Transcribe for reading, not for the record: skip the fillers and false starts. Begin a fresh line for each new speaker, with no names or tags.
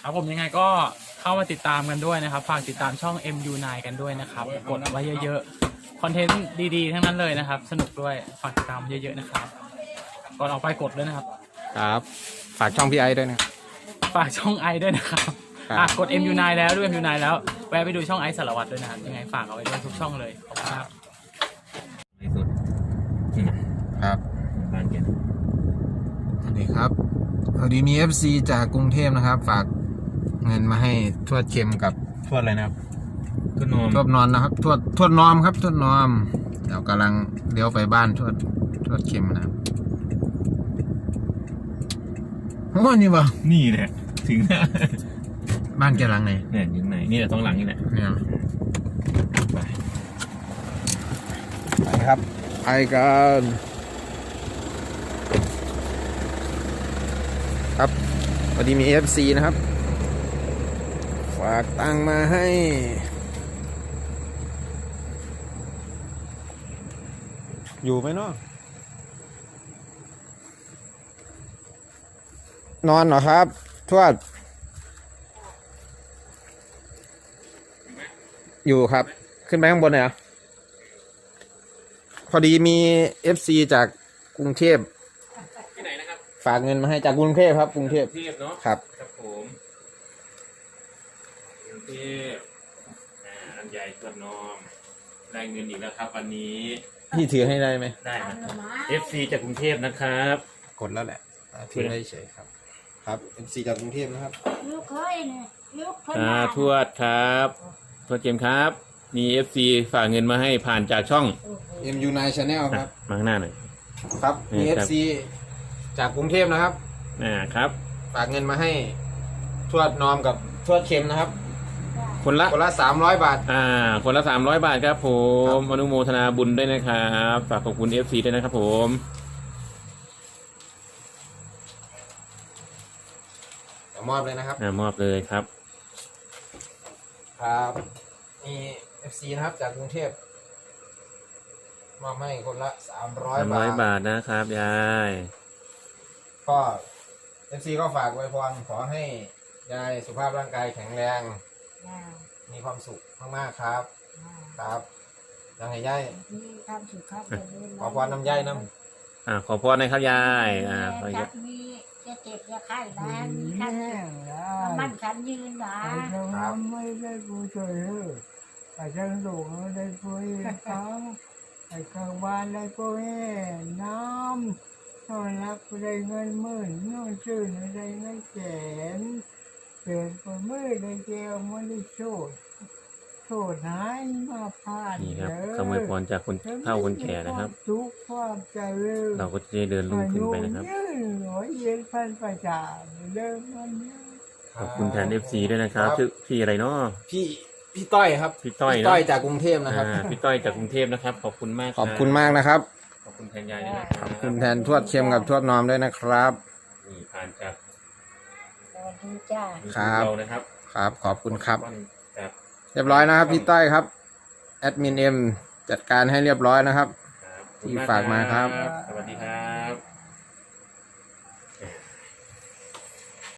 ครับผมยังไงก็เข้ามาติดตามกันด้วยนะครับฝากติดตามช่อง MU9 กันด้วยนะครับกดไว้เยอะๆคอนเทนต์ดีๆทั้งนั้นเลยนะครับสนุกด้วยฝากติดตามเยอะๆนะครับก่อนออกไปกดด้วยนะครับ
ครับฝากช่องพี่ไอด้วยนะ
ฝากช่องไอด้วยนะครับกด MU9 แล้วด้วย MU9 แล้วแวะไปดูช่องไอสารวัตรด้วยนะครับยังไงฝากเอาไว้ด้วยทุกช่องเลยขอบคุณครับ
ในสุด
ครับ
บ้านเก็บ
สวัสดีครับพอดีมี FC จากกรุงเทพนะครับ ฝากเงินมาให้ทวดเค็มกับทวดอะไรนะครับ
ก็นอน
ทวดนอนนะครับทวดนอมครับทวดนอมเดี๋ยวกำลังเลี้ยวไปบ้านทวดเค็มนะครับโอ้นี่บ่
นี่แหละถึงแล้ว
บ้านแกหลังไหน
เนี่ยอยู่ไหนนี่แหละตรงหลังนี่แหละ
เนี่ย
ไป
ไปครับไปกันครับพอดีมี FC นะครับฝากตังมาให้อยู่ไหมเนาะนอนเหรอครับทวดอยู่ครับขึ้นไปข้างบนเลยเหรอพอดีมี FC จากกรุงเทพ
ที่ไหนนะครับ
ฝากเงินมาให้จากกรุงเทพครับกรุงเทพ
เทพเนาะ
ครับ
ครับผมกรุงเทพลำไยทวดนอมได้เงินอีกแล้วครับวันนี้
พี่ถือให้ได้ไหม
ได้นะ FC จากกรุงเทพนะครับ
กดแล้วแหละถือได้เฉยครับครับ MC จากกรุงเทพนะครับ
ลูกเคยเนี่ยลูกเคย
ทวดครับทวดเกมครับ มี FC ฝากเงินมาให้ผ่านจากช่อง
MU9 Channel ครับ
มาข้างหน้าหน่อย
ครับมี
นี่ครับ
FC จากกรุงเทพนะครับ
ครับ
ฝากเงินมาให้ทวดนอมกับทวดเค็มนะครับ
คนละ
คนละ300 บาท
คนละ300 บาทครับผมอนุโมทนาบุญด้วยนะครับฝากขอบคุณ FC ด้วยนะครับผม
เดี๋ยวมอบเลยนะครับ
มอบเลยครับ
ครับมี FC นะครับจากกรุงเทพมอบให้คนละ300 บาท
300 บาทนะครับยาย
ก็ FC ก็ฝากไว้พรขอให้ยายสุขภาพร่างกายแข็งแรง มีความสุขมากๆครับ ครับยังไงยาย
มีความสุขครับ
ขอพรน้ำยายน้
ขอพรนะครับยายขอ
จับมีจะเจ็บจะไข้นะมีขั้นมันขันยืนนะ
ไม่ได้ผู้ช่วยเหลือไอ้ช่างสูงได้ผู้เห็นเขาไอ้ข้างบ้านได้ผู้เห็นน้ำนอนรักได้เงินหมื่นนอนชื่นได้เงินแสนเปลี่ยนไปมือได้เจลไม่ได้โชดโชดหายมาผ่าน
นี่ครับคำอวยพรจากคนเฒ่าคนแก่นะครับ
ทุกความเจริญ
เราก็จะได้เดินลุกขึ้นไปนะครับ
อายุยืนหัวเย็นพันประจาเริ่มมันเยอะ
ำ
ขอบคุณแทน FC ด้วยนะครับชื่อพี่อะไรเนาะ
พี่ต้อยครับ
พี่ต้อย
พี่
เนอะ
ต้อยจากกรุงเทพนะครับ
พี่ต้อยจากกรุงเทพนะครับขอบคุณมาก
ขอบคุณมากนะครับ
ขอบคุณแทนยายด้วยนะค
ข
รับ
อบคุณแทนทวดเค็มกับทวดนอมด้วยนะครับ
นี่ผ่านจาก
สวัสดีจ้า
ครับ
เรานะครับ
ครับขอบคุณครับ
ครับ
เรียบร้อยนะครับพี่ต้อยครับแอดมินเอ็มจัดการให้เรียบร้อยนะครับ
ครับ
ที่ฝากมาครับ
สวัสดีครับ